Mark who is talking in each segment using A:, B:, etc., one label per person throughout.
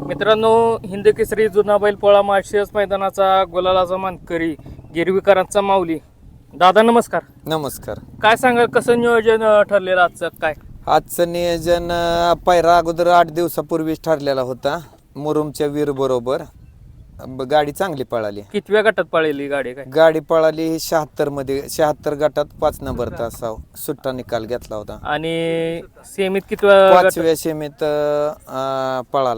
A: मित्रांनो, हिंद केसरी जुना बैल पोळा माळशिरस मैदानाचा गुलालाचा मानकरी गिरवीकरांचा माऊली. दादा नमस्कार.
B: नमस्कार.
A: काय सांगाल, कसं नियोजन ठरलेलं आजचं? काय
B: आजचं नियोजन पायरा अगोदर 8 दिवसापूर्वीच ठरलेला होता मुरुमच्या वीर बरोबर. गाडी चांगली पळाली.
A: कितव्या गटात पळाली गाडी? काय
B: गाडी पळाली 76 मध्ये, 76 गटात 5 नंबर तासाव सुट्टा निकाल घेतला होता.
A: आणि सेमीत कितव्या?
B: 5व्या सेमीत पळाला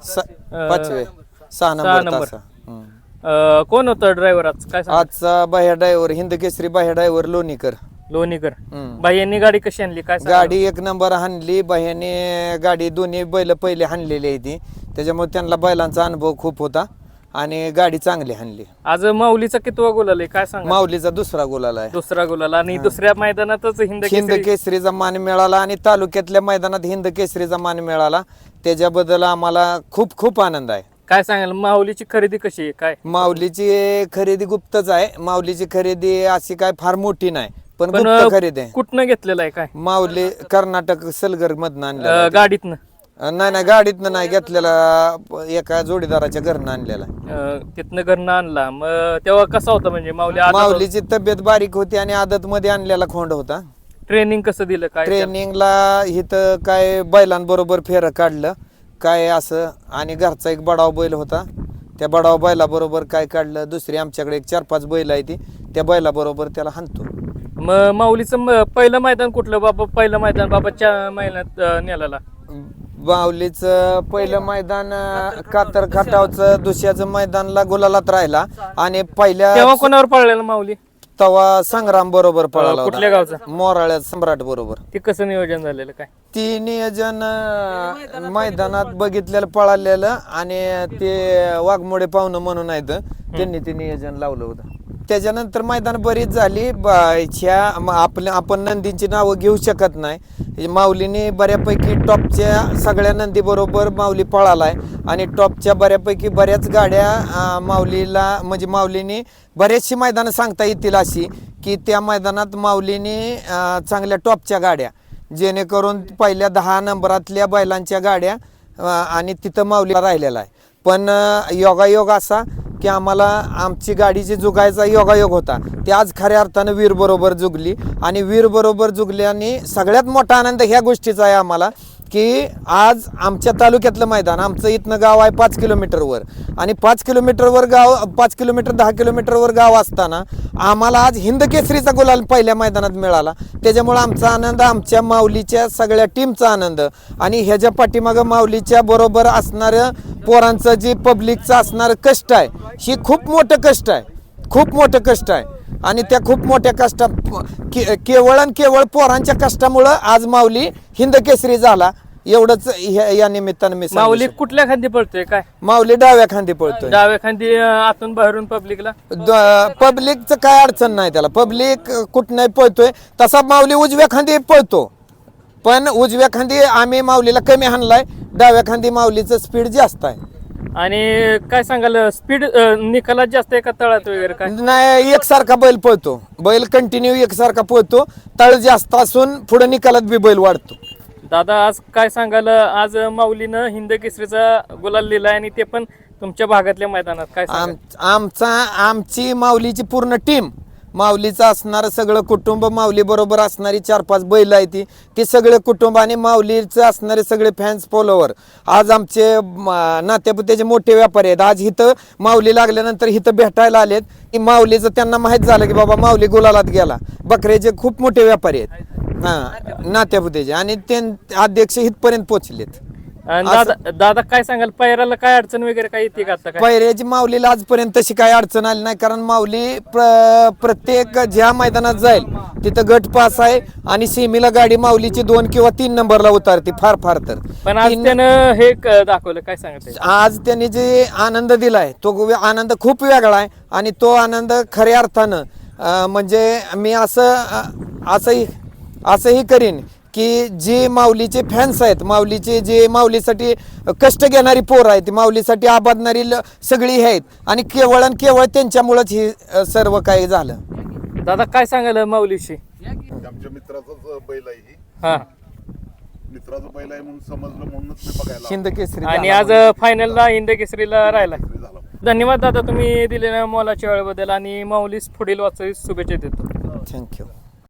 B: 6 नंबर तासा.
A: कोण होतं ड्रायव्हर आज? काय
B: आजचा बाह्या ड्रायव्हर, हिंद केसरी बाह्या ड्रायव्हर लोणीकर.
A: बाह्यांनी गाडी कशी आणली? काय
B: गाडी 1 नंबर हाणली बाह्याने. गाडी दोन्ही बैल पहिले हाणलेली आहे ती, त्याच्यामुळे त्यांना बैलांचा अनुभव खूप होता आणि गाडी चांगली हाणली.
A: आज माऊलीचा कितवा गुलाल आहे? काय सांगा.
B: माऊलीचा दुसरा गुलाल आहे.
A: दुसरा गुलाल. आणि दुसऱ्या मैदानातच
B: हिंद केसरीचा मान मिळाला आणि तालुक्यातल्या मैदानात हिंद केसरीचा मान मिळाला. त्याच्याबद्दल आम्हाला खूप खूप आनंद आहे.
A: काय सांगाल, माऊलीची खरेदी कशी आहे? काय
B: माऊलीची खरेदी गुप्तच आहे. माऊलीची खरेदी अशी काय फार मोठी नाही, पण गुप्त खरेदी आहे.
A: कुठनं घेतलेलं आहे? काय
B: माऊली कर्नाटक सलगर मधनं आणलं.
A: गाडीतनं?
B: नाही गाडीतनं नाही घेतलेला, एका जोडीदाराच्या घरनं आणलेला.
A: तिथनं घरनं आणला. मग तेव्हा कसा होता? म्हणजे
B: माऊलीची तब्येत बारीक होती आणि आदत मध्ये आणलेला खोंड होता.
A: ट्रेनिंग कसं दिलं? काय
B: ट्रेनिंगला इथं काय बैलांबरोबर फेरं काढलं काय असं, आणि घरचा एक बडाव बैल होता, त्या बडाव बैलाबरोबर काय काढलं. दुसरी आमच्याकडे 4-5 बैल आहे ती, त्या बैलाबरोबर त्याला हाणतो.
A: मग माऊलीचं पहिलं मैदान कुठलं बाबा? पहिलं मैदान बाबाच्या महिन्यात नेलेला.
B: माऊलीचं पहिलं मैदान कातर खटावचं दुसऱ्याचं मैदानला गुलालात राहिला. आणि पहिल्या
A: तेव्हा कोणावर पळलेला माऊली?
B: तवा संग्राम बरोबर पळाला.
A: कुठल्या गावचा?
B: मोराळ्यात सम्राट बरोबर.
A: ते कसं नियोजन झालेलं? काय
B: ती नियोजन मैदानात बघितलेलं पळालेलं, आणि ते वाघमोडे पाहुणं म्हणून आहेत, त्यांनी ते नियोजन लावलं होतं. त्याच्यानंतर मैदान बरीच झाली. आपण नंदींची नावं घेऊ शकत नाही. माऊलीने बऱ्यापैकी टॉपच्या सगळ्या नंदी बरोबर माऊली पळालाय आणि टॉपच्या बऱ्याच गाड्या माऊलीला, म्हणजे माऊलीने बरेचशी मैदानं सांगता येतील अशी की त्या मैदानात माऊलीने चांगल्या टॉपच्या गाड्या, जेणेकरून पहिल्या 10 नंबरातल्या बैलांच्या गाड्या, आणि तिथं माऊलीला राहिलेला आहे. पण योगायोग असा की आम्हाला आमची गाडी जी जुगायचा योगायोग होता, ते आज खऱ्या अर्थानं वीर बरोबर जुगली. आणि वीर बरोबर जुगल्याने सगळ्यात मोठा आनंद ह्या गोष्टीचा आहे आम्हाला की आज आमच्या तालुक्यातलं मैदान, आमचं इथनं गाव आहे 5 किलोमीटरवर, आणि 5 किलोमीटरवर गाव, 5 किलोमीटर 10 किलोमीटरवर गाव असताना आम्हाला आज हिंद केसरीचा गुलाल पहिल्या मैदानात मिळाला. त्याच्यामुळे आमचा आनंद, आमच्या माऊलीच्या सगळ्या टीमचा आनंद, आणि ह्याच्या पाठीमागं माऊलीच्या बरोबर असणारं पोरांचं जे पब्लिकचं असणारं कष्ट आहे, ही खूप मोठं कष्ट आहे, खूप मोठं कष्ट आहे. आणि त्या खूप मोठ्या केवळ पोरांच्या कष्टामुळं आज माऊली हिंद केसरी झाला. एवढंच या निमित्तानं मी.
A: माऊली कुठल्या खांदी पळतोय? काय
B: माऊली डाव्या खांदी पळतोय.
A: डाव्या खांदी, आतून बाहेरून पब्लिकला.
B: पब्लिकचं काय अडचण नाही त्याला, पब्लिक कुठं पळतोय तसा माऊली उजव्या खांदी पळतो. पण उजव्या खांदी आम्ही माऊलीला कमी हाणलाय, डाव्या खांदी माऊलीचं स्पीड जास्त आहे.
A: आणि काय सांगाल, स्पीड निकालात जास्त आहे का तळात वगैरे? काय
B: नाही, एकसारखा बैल पळतो, बैल कंटिन्यू एकसारखा पळतो. तळ जास्त असून पुढे निकालात बी बैल वाढतो.
A: दादा, आज काय सांगाल, आज माऊलीनं हिंद केसरीचा गुलाल लिहिलाय, आणि ते पण तुमच्या भागातल्या मैदानात. काय
B: आमची माऊलीची पूर्ण टीम, माऊलीचं असणारं सगळं कुटुंब, माऊली बरोबर असणारी 4-5 बैल आहे ती सगळे कुटुंब, आणि माऊलीचं असणारे सगळे फॅन्स फॉलोवर, आज आमचे नात्यापुत्याचे मोठे व्यापारी आहेत. आज इथं माऊली लागल्यानंतर इथं भेटायला आलेत की माऊलीचं त्यांना माहीत झालं की बाबा माऊली गुलालात गेला. बकऱ्याचे खूप मोठे व्यापारी आहेत नात्यापुत्याचे, आणि ते अध्यक्ष इथपर्यंत पोहोचलेत.
A: दादा, काय सांगाल, पैराला काय अडचण वगैरे काय येते का?
B: पैऱ्याची माऊलीला आजपर्यंत तशी काही अडचण आली नाही, कारण माऊली प्रत्येक ज्या मैदानात जाईल तिथं गट पास आहे, आणि सेमीला गाडी माऊलीची 2 किंवा 3 नंबरला उतारते फार तर.
A: पण आज त्यानं हे दाखवलं. काय सांगते
B: आज त्यांनी जे आनंद दिलाय तो आनंद खूप वेगळा आहे, आणि तो आनंद खऱ्या अर्थानं म्हणजे मी असंही करीन की जे माऊलीचे फॅन्स आहेत, माऊलीचे जे माऊलीसाठी कष्ट घेणारी पोर आहेत, माऊलीसाठी आबादणारी सगळी आहेत, आणि केवळ त्यांच्यामुळेच हे सर्व काही झालं.
A: दादा, काय सांगाल माऊलीशी?
C: आमच्या मित्राचाच बैल आहे ही.
A: हा,
C: मित्राचं बैल आहे म्हणून समजलं म्हणूनच मी बघायला
B: हिंद केसरी
A: आणि
B: झाला
A: आज
B: म्हणजे.
A: फायनलला हिंद केसरीला राहिला.
C: झाला.
A: धन्यवाद दादा, तुम्ही दिलेल्या मोलाच्या वेळेबद्दल आणि माऊलीस पुढील वाटचालीस शुभेच्छा देतो.
B: थँक्यू.